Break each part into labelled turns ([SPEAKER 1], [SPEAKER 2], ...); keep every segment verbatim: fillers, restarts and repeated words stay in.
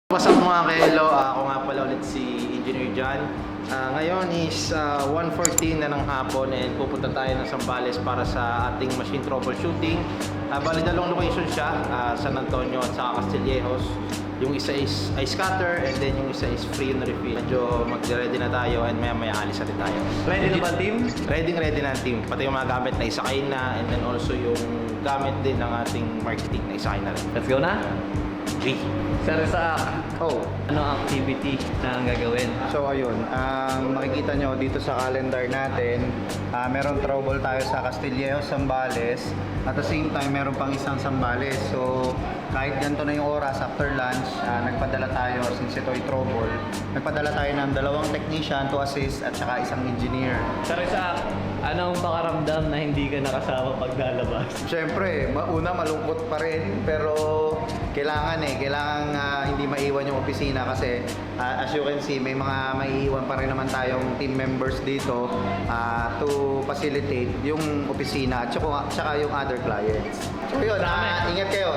[SPEAKER 1] What's up mga ka-hello? Uh, ako nga pala ulit si Engineer John. Uh, ngayon is uh, one fourteen na ng hapon and pupunta tayo ng Zambales para sa ating machine troubleshooting. Uh, bali dalawang location siya, uh, San Antonio at saka Castillejos. Yung isa is ice cutter and then yung isa is free and refill. Medyo mag-ready na tayo and maya maya alis natin tayo.
[SPEAKER 2] Ready na ba team?
[SPEAKER 1] Ready ready na ang team. Pati yung mga gamit na isakay na and then also yung gamit din ng ating marketing na isakay na rin.
[SPEAKER 2] Let's go na?
[SPEAKER 1] G.
[SPEAKER 2] Sir Isaac,
[SPEAKER 3] Oh,
[SPEAKER 2] ano ang activity na ang gagawin?
[SPEAKER 3] so ayun, ang makikita nyo dito sa calendar natin, ah, meron trouble tayo sa Castillejos, Zambales. At the same time, meron pang isang Zambales. So, kahit ganito na yung oras after lunch, ah, nagpadala tayo, since ito ay trouble, nagpadala tayo ng dalawang technician to assist at saka isang engineer.
[SPEAKER 2] Sir Isaac, anong pakaramdam na hindi ka nakasama pag lalabas?
[SPEAKER 3] Siyempre, ma- una malungkot pa rin, pero kailangan eh, kailangan ah, hindi maiwan yung opisina kasi ah, as you can see, may mga maiiwan pa rin naman tayong team members dito ah, to facilitate yung opisina at saka, saka yung other clients. So yun, ah, ingat kayo.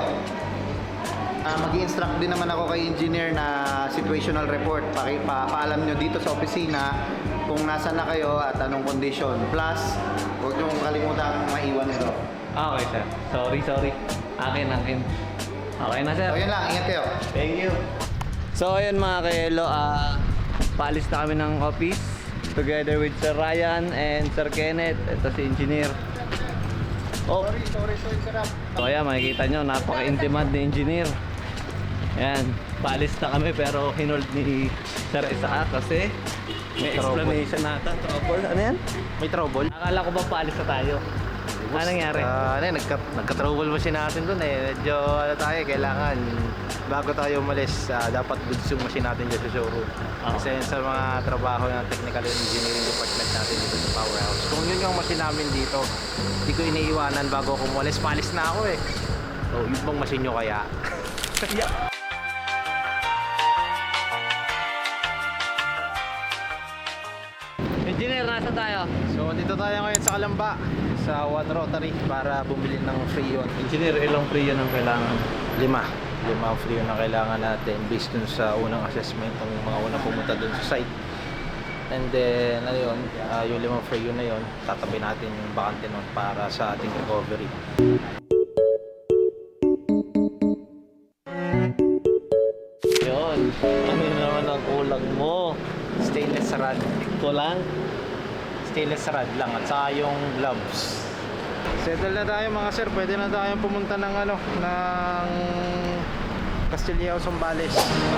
[SPEAKER 3] Uh, mag-i-instruct din naman ako kay engineer na situational report. Paki, pa, paalam nyo dito sa opisina kung nasaan na kayo at anong condition. Plus, huwag nyo kalimutan maiwan ito.
[SPEAKER 2] Okay sir, sorry sorry. Akin, akin. Okay na sir.
[SPEAKER 3] So yun lang, ingat kayo.
[SPEAKER 2] Thank you. So ayun mga kaelo, ah paalis na kami ng office together with Sir Ryan and Sir Kenneth. Ito si engineer. Oh.
[SPEAKER 3] Sorry, sorry, sorry, sarap.
[SPEAKER 2] So ayan, makikita nyo, napaka-in-demand ni engineer. Ayan, paalis na kami pero hinold ni Sir Isaac kasi may explanation nata. Trouble, ano yan?
[SPEAKER 1] May trouble?
[SPEAKER 2] Akala ko ba paalis na tayo? Ano nangyari?
[SPEAKER 1] Uh, ano, nagka, nagka-trouble machine natin dun eh. Medyo ano tayo, kailangan bago tayo umalis, uh, dapat goods yung machine natin dyan sa showroom.
[SPEAKER 2] Oh.
[SPEAKER 1] Kasi sa mga trabaho ng technical and engineering department natin dito sa powerhouse. Kung yun yung machine namin dito, hindi ko iniiwanan bago ako umalis. Palis na ako eh. So, yun bang machine nyo kaya?
[SPEAKER 2] Yeah. Engineer, nasa tayo?
[SPEAKER 1] So, dito tayo ngayon sa Kalamba, sa One Rotary para bumili ng Freon.
[SPEAKER 2] Engineer, ilang free yun ang kailangan?
[SPEAKER 1] Lima. Lima ang Freon na kailangan natin based dun sa unang assessment ng mga unang pumunta dun sa site. And then, ano yun, uh, yung limang Freon na yun, tatabi natin yung bakante nun para sa ating recovery.
[SPEAKER 2] Yun. Ano naman ang kulang mo?
[SPEAKER 1] Stainless rod.
[SPEAKER 2] Kulang?
[SPEAKER 1] Stainless rod lang at saka yung gloves. Settle na tayo mga sir, pwede na tayong pumunta ng ano, ng Castillejos, Zambales.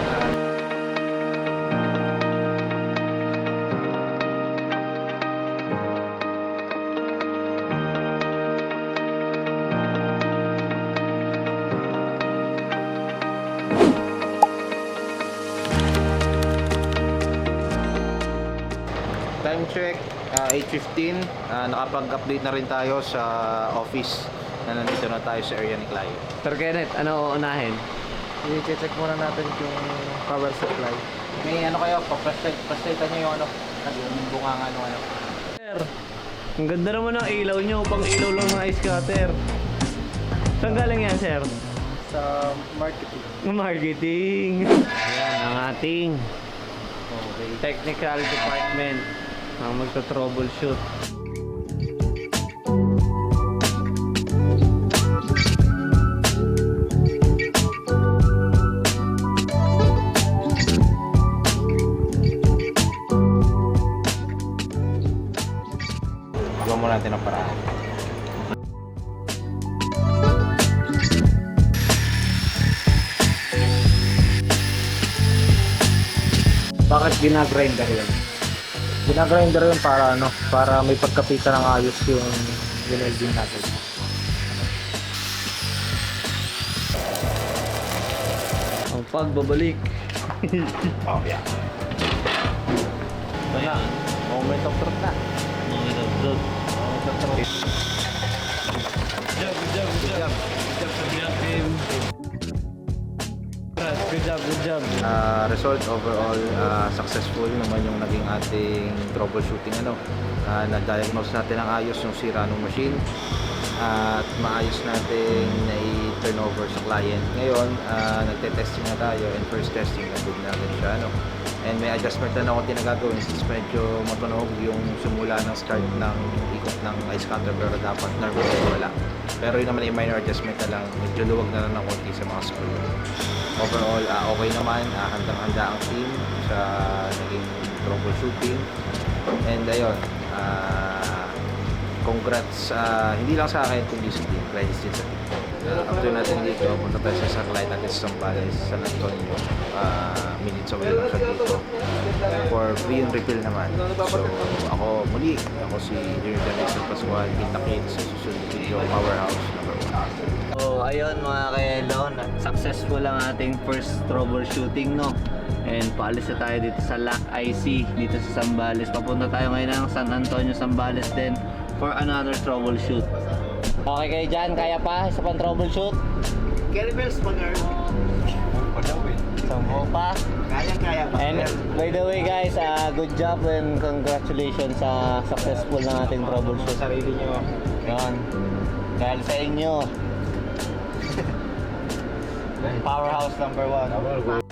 [SPEAKER 1] Time check, uh, eight fifteen. Uh, nakapag-update na rin tayo sa office na nandito na tayo sa area ni Clio.
[SPEAKER 2] Sir Kenneth, ano uunahin?
[SPEAKER 1] I-check muna natin yung power supply. May ano kayo, pa-frustrate nyo yung ano, yung bunga ano ano.
[SPEAKER 2] Sir, ang ganda naman ng ilaw nyo, pang ilaw lang ng ice cutter. Saan galing yan, sir?
[SPEAKER 1] Sa marketing.
[SPEAKER 2] Marketing. Ayan, ang ating
[SPEAKER 1] Okay.
[SPEAKER 2] technical department ang magta-troubleshoot.
[SPEAKER 1] Gawa mo natin ang paraan. Bakit ginagrinder yun? Ginagrinder yun para ano, para may pagkapita ng ayos yung winelding natin.
[SPEAKER 2] Ang pagbabalik.
[SPEAKER 1] Oh yeah. So yeah, moment of truth na.
[SPEAKER 2] Mga nabdod.
[SPEAKER 1] Moment of truth.
[SPEAKER 2] Good job, good job, good job. Good job, good job, team. Good job, good job.
[SPEAKER 1] Uh, result overall uh, successful naman yung naging ating troubleshooting ano. Uh, na-diagnose natin ang ayos yung sira ng machine at maayos natin na turnover sa client. Ngayon, uh, nagte-testing na tayo and first testing na good natin siya. Ano? And may adjustment na ako tinagagawin since medyo matunog yung simula ng start ng ikot ng ice cutter pero dapat normal wala. Pero yun naman yung minor adjustment na lang, medyo luwag na lang ng konti sa mga screw. Overall, uh, okay naman, uh, handang-handa ang team sa naging troubleshooting. And ayun, uh, congrats, uh, hindi lang sa akin kundi sa team, credits din sa team. Uh, after natin dito, punta tayo sa satellite natin sa Zambales, San Antonio. Uh, minutes away lang siya dito. For free and refill naman. So, ako muli, ako si Engineer Daniel Pascual, kita-kit sa susunod na video, Powerhouse number one.
[SPEAKER 2] So, ayun mga ka-Hello, successful ang ating first troubleshooting, no? And paalis na tayo dito sa L A C I C, dito sa Zambales. Papunta tayo ngayon ng San Antonio, Zambales din for another troubleshoot. Okay kayo dyan? Kaya pa? Isa pang troubleshoot?
[SPEAKER 3] Kettlebells pa, girl.
[SPEAKER 2] Sampo pa?
[SPEAKER 3] Kaya-kaya pa.
[SPEAKER 2] And by the way guys, uh, good job and congratulations sa successful ng ating troubleshoot.
[SPEAKER 1] Sarili nyo.
[SPEAKER 2] Yan. Dahil sa inyo. Powerhouse number one.